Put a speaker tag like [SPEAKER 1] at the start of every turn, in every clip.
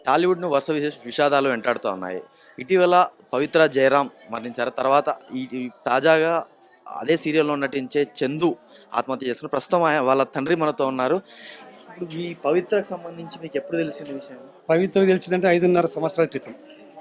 [SPEAKER 1] టాలీవుడ్‌ను వరుస విషాదాలు వెంటాడుతూ ఉన్నాయి. ఇటీవల 'పవిత్ర జయరాం' మరణించారు. తర్వాత ఈ ఈ తాజాగా అదే సీరియల్‌లో నటించే 'చందు' ఆత్మహత్య చేసుకున్నారు. ప్రస్తుతం వాళ్ళ తండ్రి మనతో ఉన్నారు. ఇప్పుడు ఈ 'పవిత్ర'కి సంబంధించి మీకెప్పుడు తెలిసింది విషయం?
[SPEAKER 2] పవిత్ర తెలిసిందంటే 5.5 సంవత్సరాల క్రితం.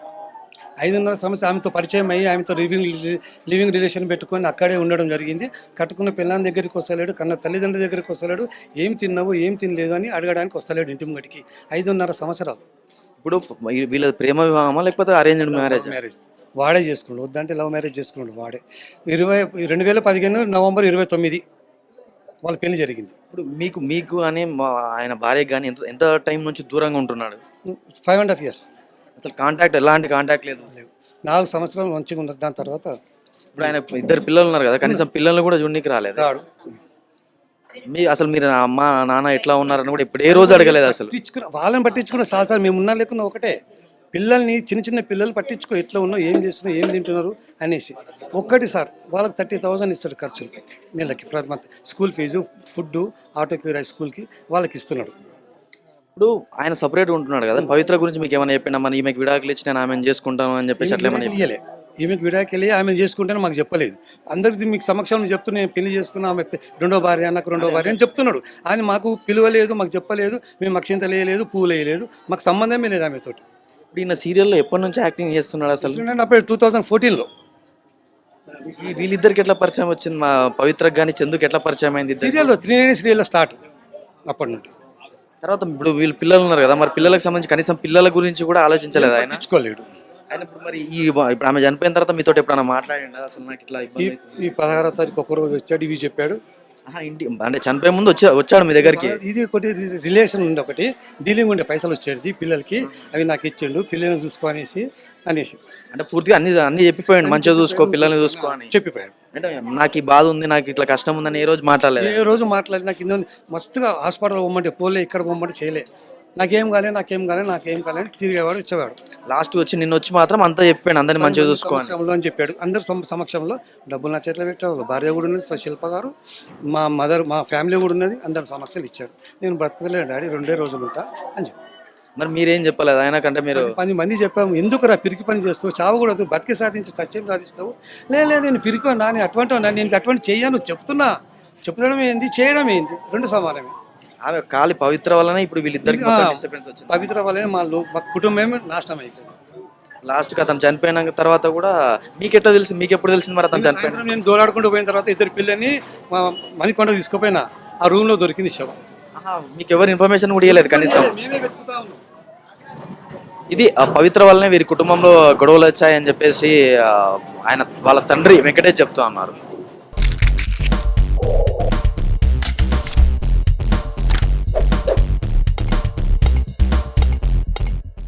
[SPEAKER 2] 5.5 సంవత్సరాలు ఆమెతో పరిచయం అయ్యి ఆమెతో లివింగ్ రిలేషన్ పెట్టుకొని అక్కడే ఉండడం జరిగింది. కట్టుకున్న పిల్లని దగ్గరికి వస్తలేడు, కన్న తల్లిదండ్రుల దగ్గరికి వస్తలేడు. ఏం తిన్నావు ఏం తినలేదు అని అడగడానికి వస్తలేడు ఇంటి ముంగటికి. 5.5 సంవత్సరాలు
[SPEAKER 1] ఇప్పుడు వీళ్ళది ప్రేమ వివాహమా? లేకపోతే అరేంజ్డ్ మ్యారేజా?
[SPEAKER 2] మ్యారేజ్ వాడే చేసుకున్నాడు. వద్దంటే లవ్ మ్యారేజ్ చేసుకున్నాడు వాడే. 2015 నవంబర్ 29 వాళ్ళ పెళ్లి జరిగింది.
[SPEAKER 1] ఇప్పుడు మీకు మీకు అని ఆయన భార్యకి గాని ఎంత ఎంత టైం నుంచి దూరంగా ఉంటున్నాడు?
[SPEAKER 2] 5.5 years
[SPEAKER 1] అసలు ఎలాంటి కాంటాక్ట్ లేదు.
[SPEAKER 2] లేవు. 4 సంవత్సరాలు మంచిగా ఉన్నారు. దాని తర్వాత
[SPEAKER 1] ఇప్పుడు ఆయన ఇద్దరు పిల్లలు ఉన్నారు కదా, కనీసం పిల్లల్ని కూడా చూడనీకి రాలేదు.
[SPEAKER 2] రాడు.
[SPEAKER 1] అసలు మీరు అమ్మ నాన్న ఎట్లా ఉన్నారని కూడా ఇప్పుడు ఏ రోజు అడగలేదు అసలు.
[SPEAKER 2] వాళ్ళని పట్టించుకున్న సార్ మేము ఉన్నా లేకున్నా ఒకటే. పిల్లల్ని చిన్న పిల్లలు పట్టించుకో, ఎట్లా ఉన్నావు ఏం చేస్తున్నావు ఏం తింటున్నారు అనేసి. ఒక్కటి సార్ వాళ్ళకి 30,000 ఇస్తాడు ఖర్చులు నెలకి ప్రతి మంత్. స్కూల్ ఫీజు, ఫుడ్, ఆటోకి స్కూల్కి వాళ్ళకి ఇస్తున్నాడు.
[SPEAKER 1] ఇప్పుడు ఆయన సపరేట్గా ఉంటున్నాడు కదా, పవిత్ర గురించి మీకు ఏమైనా చెప్పిండా? మన ఈమెకి విడాకులు ఇచ్చి నేను ఆమెను చేసుకుంటాను అని చెప్పేసి అట్లా ఏమైనా
[SPEAKER 2] ఇయ్యలే. ఈమెకి విడాకెళ్ళి ఆమె చేసుకుంటేనే మాకు చెప్పలేదు. అందరికీ మీకు సమక్షంలో చెప్తూ నేను పెళ్లి చేసుకున్నా, ఆమె రెండో భార్య నాకు రెండో భార్య అని చెప్తున్నాడు. ఆయన మాకు పిలువలేదు, మాకు చెప్పలేదు, మేము అక్షింతలు వేయలేదు, పూలు వేయలేదు, మాకు సంబంధమే లేదు ఆమెతోటి.
[SPEAKER 1] ఇప్పుడు ఈయన సీరియల్లో ఎప్పటి నుంచి యాక్టింగ్ చేస్తున్నాడు అసలు?
[SPEAKER 2] అప్పుడు 2014లో.
[SPEAKER 1] వీళ్ళిద్దరికి ఎట్లా పరిచయం వచ్చింది? మా పవిత్రకు కానీ చందుకి ఎట్లా పరిచయం అయింది?
[SPEAKER 2] సీరియల్లో 3 సీరియల్లో స్టార్ట్ అప్పటి నుండి.
[SPEAKER 1] తర్వాత ఇప్పుడు వీళ్ళు పిల్లలు ఉన్నారు కదా, మరి పిల్లలకు సంబంధించి కనీసం పిల్లల గురించి కూడా ఆలోచించలేదు ఆయన?
[SPEAKER 2] పట్టించుకోలేడు
[SPEAKER 1] ఆయన. ఇప్పుడు మరి ఇప్పుడు ఆమె చనిపోయిన తర్వాత మీతో ఎప్పుడైనా మాట్లాడండి? అసలు నాకు ఇట్లా
[SPEAKER 2] ఈ 16వ తారీఖు ఒకరోజు వచ్చాడు, ఇవి చెప్పాడు.
[SPEAKER 1] ఇంటి అంటే చనిపోయే ముందు వచ్చాడు మీ దగ్గరికి?
[SPEAKER 2] ఇది ఒకటి రిలేషన్ ఉండే, ఒకటి డీలింగ్ ఉండే, పైసలు వచ్చేది పిల్లలకి, అవి నాకు ఇచ్చిండు, పిల్లల్ని చూసుకో అనేసి
[SPEAKER 1] అంటే పూర్తిగా అన్ని చెప్పిపోయాడు, మంచిగా చూసుకో పిల్లల్ని చూసుకో అని
[SPEAKER 2] చెప్పిపోయాడు.
[SPEAKER 1] అంటే నాకు ఈ బాధ ఉంది, నాకు ఇట్లా కష్టం ఉందని ఏ రోజు మాట్లాడలేదు?
[SPEAKER 2] ఏ రోజు మాట్లాడి నాకు ఇందో మస్తుగా హాస్పిటల్ పోమంటే పోలే, ఇక్కడ పోమంటే చేయలే. నాకేం కాలే అని తిరిగేవాడు, వచ్చేవాడు.
[SPEAKER 1] లాస్ట్ నిన్న వచ్చి మాత్రం అంతా చెప్పాడు, అందరిని మంచిగా చూసుకోవాలి
[SPEAKER 2] అని చెప్పాడు. అందరి సమక్షంలో డబ్బులు నా చేతిలో పెట్టాడు. భార్య కూడా ఉన్నది, శిల్ప గారు, మా మదర్, మా ఫ్యామిలీ కూడా ఉన్నది. అందరి సమక్షంలో ఇచ్చాడు. నేను బ్రతకలేను డాడీ, 2 రోజులు ఉంటా అని చెప్పి.
[SPEAKER 1] మరి మీరేం చెప్పలేదు ఆయన కంటే? మీరు
[SPEAKER 2] 10 మంది చెప్పాము, ఎందుకురా పిరికి పని చేస్తావు, చావకూడదు, బతికి సాధించి సత్యం సాధిస్తావు. లేదు నేను పిరికి నాని అటువంటి నేను అటువంటి చెయ్యాను చెప్తున్నా. చెప్పడం ఏంది, చేయడం ఏంది, 2 సమానమే.
[SPEAKER 1] ఆమె కాలి పవిత్ర వల్లనే ఇప్పుడు వీళ్ళిద్దరికి డిస్టర్బెన్స్ వచ్చింది.
[SPEAKER 2] పవిత్ర వల్లనే మా కుటుంబమే నాశనం అయిపోయింది.
[SPEAKER 1] లాస్ట్కి అతను చనిపోయిన తర్వాత కూడా మీకు ఎప్పుడు తెలిసింది మరి అతను చనిపోయిన?
[SPEAKER 2] నేను దోలాడుకుంటూ పోయిన తర్వాత 2 పిల్లల్ని మణికొండ తీసుకుపోయినా, ఆ రూమ్ లో దొరికింది శవం.
[SPEAKER 1] మీకు ఎవరు ఇన్ఫర్మేషన్ కూడా ఇవ్వలేదు కనీసం?
[SPEAKER 2] మేమే వెతుకుతా ఉన్నాం.
[SPEAKER 1] ఇది పవిత్ర వల్లనే వీరి కుటుంబంలో గొడవలు వచ్చాయని చెప్పేసి ఆయన వాళ్ళ తండ్రి వెంకటేష్ చెప్తూ అన్నారు.